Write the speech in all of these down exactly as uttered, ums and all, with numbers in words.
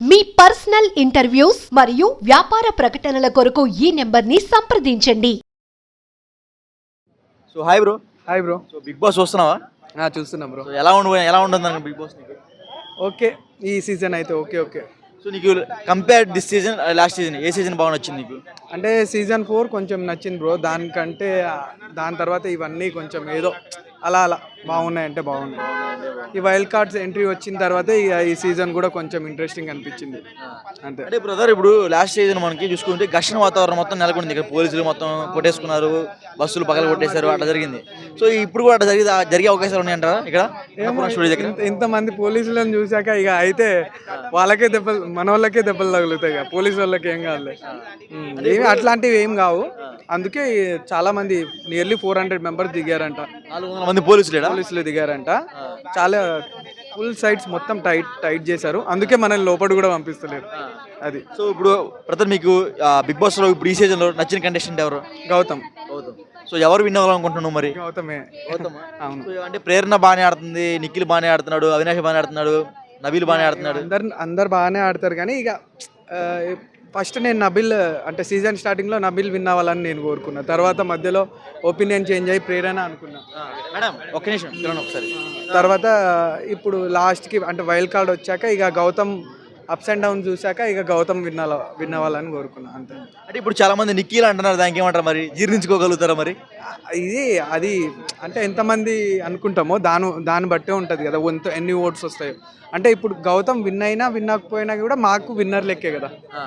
మీ personal interviews మరియు వ్యాపార ప్రకటనల కొరకు ఈ నెంబర్ని సంప్రదించండి. So hi bro. Hi bro. So big boss చూస్తున్నావా? ఆ, చూస్తున్నాం బ్రో. సో ఎలా ఉండు ఎలా ఉంటుంది అనుకో బిగ్ బాస్ నీకు? ఓకే, ఈ సీజన్ అయితే ఓకే ఓకే సో నీకు compare this season last season ఏ సీజన్ బాగా నచ్చింది నీకు? అంటే సీజన్ ఫోర్ కొంచెం నచ్చింది బ్రో. దానికంటే దాని తర్వాత ఇవన్నీ కొంచెం ఏదో అలా అలా బాగున్నాయి, అంటే బాగున్నాయి. ఈ వైల్డ్ కార్డ్స్ ఎంట్రీ వచ్చిన తర్వాత ఇక ఈ సీజన్ కూడా కొంచెం ఇంట్రెస్టింగ్ అనిపించింది అంతే. అంటే బ్రదర్ ఇప్పుడు లాస్ట్ సీజన్ మనకి చూసుకుంటే ఘర్షణ వాతావరణం మొత్తం నెలకొంది. ఇక్కడ పోలీసులు మొత్తం కొట్టేసుకున్నారు, బస్సులు పగల కొట్టేశారు, అట్లా జరిగింది. సో ఇప్పుడు కూడా అట్లా జరిగి జరిగే అవకాశాలు ఉన్నాయంటారా ఇక్కడ స్టూడియో దగ్గర? ఇంత- ఇంతమంది పోలీసులను చూశాక ఇక అయితే వాళ్ళకే దెబ్బలు, మన వాళ్ళకే దెబ్బలు తగులుతాయి. ఇక పోలీసు వాళ్ళకి ఏం కాదు, ఏమి అట్లాంటివి ఏం కావు. అందుకే చాలా మంది నియర్లీ ఫోర్ హండ్రెడ్ మెంబర్స్ దిగారంట, నాలుగు వందల మంది పోలీసులు పోలీసులు దిగారంట. చాలా ఫుల్ సైట్స్ మొత్తం టైట్ టైట్ చేశారు. అందుకే మనల్ని లోపల కూడా పంపిస్తలేరు. అది. సో ఇప్పుడు బ్రదర్ మీకు బిగ్ బాస్ లో ఇప్పుడు ఈ సీజన్ లో నచ్చిన కంటెస్టెంట్ ఎవరు? గౌతమ్. సో ఎవరు విన్ అవ్వాలనుకుంటున్నావు మరి? గౌతమే. అవును. సో అంటే ప్రేరణ బాగానే ఆడుతుంది, నిఖిల్ బాగానే ఆడుతున్నాడు, అవినాష్ బాగానే ఆడుతున్నాడు, నబీల్ బాగానే ఆడుతున్నాడు. అందరు అందరు బాగానే ఆడతారు కానీ ఇక ఫస్ట్ నేను నబిల్ అంటే సీజన్ స్టార్టింగ్లో నబిల్ విన్ అవ్వాలని నేను కోరుకున్నా. తర్వాత మధ్యలో ఒపీనియన్ చేంజ్ అయ్యి ప్రేరణ అనుకున్నా. మేడం ఒక్క నిమిషం చూడండి ఒకసారి. తర్వాత ఇప్పుడు లాస్ట్కి అంటే వైల్డ్ కార్డ్ వచ్చాక ఇక గౌతమ్ అప్స్ అండ్ డౌన్ చూశాక ఇక గౌతమ్ విన్ విన్ అవ్వాలని కోరుకున్నా అంతే. అంటే ఇప్పుడు చాలా మంది నిఖిల్ అంటున్నారు, దానికి ఏమంటారు మరి? జీర్ణించుకోగలుగుతారా మరి? ఇది అది అంటే ఎంతమంది అనుకుంటామో దాని దాన్ని బట్టే ఉంటుంది కదా, ఎంత ఎన్ని ఓట్స్ వస్తాయో. అంటే ఇప్పుడు గౌతమ్ విన్ అయినా విన్ అవ్వకపోయినా కూడా మాకు విన్నర్ లెక్కే కదా.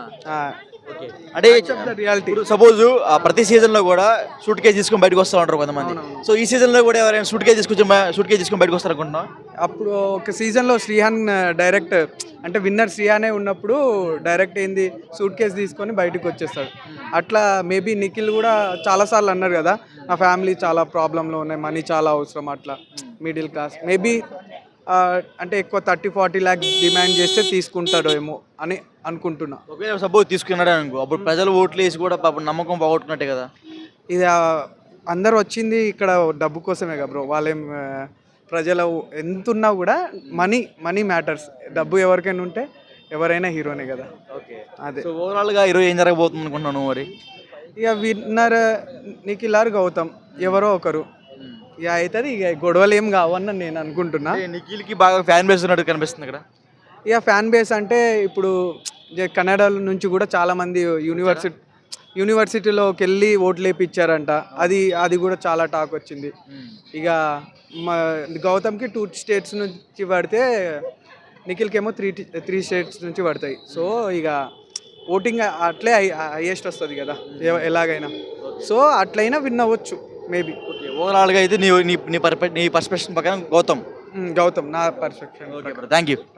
అంటే రియాలిటీ. సపోజ్ ప్రతి సీజన్ లో కూడా సూట్ కేసు తీసుకొని బయటకు వస్తూ ఉంటారు కొంతమంది. సో ఈ సీజన్ లో కూడా ఎవరైనా సూట్ కేసు తీసుకొచ్చి సూట్ కేసు తీసుకొని బయటకు వస్తారు అనుకుంటున్నాం. అప్పుడు ఒక సీజన్లో శ్రీహాన్ డైరెక్ట్ అంటే విన్నర్ శ్రీహానే ఉన్నప్పుడు డైరెక్ట్ ఏంది సూట్ కేసు తీసుకొని బయటకు వచ్చేస్తాడు. అట్లా మేబీ నిఖిల్ కూడా చాలాసార్లు అన్నారు కదా, నా ఫ్యామిలీ చాలా ప్రాబ్లంలో ఉన్నాయి, మనీ చాలా అవసరం, అట్లా మిడిల్ క్లాస్ మేబీ అంటే ఎక్కువ థర్టీ ఫార్టీ ల్యాక్స్ డిమాండ్ చేస్తే తీసుకుంటాడో ఏమో అని అనుకుంటున్నా. ఒకవేళ సపోజ్ తీసుకున్నాడు అనుకో, అప్పుడు ప్రజలు ఓట్లు వేసి కూడా పాపం నమ్మకం పోగొట్టుకున్నట్టే కదా. ఇది అందరు వచ్చింది ఇక్కడ డబ్బు కోసమే కదా బ్రో. వాళ్ళేం ప్రజల ఎంత ఉన్నా కూడా మనీ మనీ మ్యాటర్స్. డబ్బు ఎవరికైనా ఉంటే ఎవరైనా హీరోనే కదా. ఓకే, అదే. సో ఓవరాల్గా ఈరోజు ఏం జరగబోతుంది అనుకుంటున్నాను మరి? ఇక విన్నర్ నిఖిల్ ఆర్ గౌతమ్ ఎవరో ఒకరు ఇక అవుతుంది. ఇక గొడవలు ఏం కావని నేను అనుకుంటున్నా. నిఖిల్కి బాగా ఫ్యాన్ బేస్ ఉన్నట్టు కనిపిస్తుంది ఇక్కడ. ఇక ఫ్యాన్ బేస్ అంటే ఇప్పుడు కన్నడ నుంచి కూడా చాలామంది యూనివర్సిటీ యూనివర్సిటీలోకి వెళ్ళి ఓట్లు వేయించారంట. అది అది కూడా చాలా టాక్ వచ్చింది. ఇక మా గౌతమ్కి టూ స్టేట్స్ నుంచి పడితే నిఖిల్కి ఏమో త్రీ త్రీ స్టేట్స్ నుంచి పడతాయి. సో ఇక ఓటింగ్ అట్లే హైయెస్ట్ వస్తుంది కదా ఎలాగైనా. సో అట్లయినా విన్ అవ్వచ్చు మేబీ. ఓకే, ఓవరాల్గా అయితే నీ నీ నీ పర్స్పెక్టివ్ నీ పర్స్పెక్షన్ ప్రకారం గౌతమ్ గౌతమ్ నా perfection. Okay bro, thank you.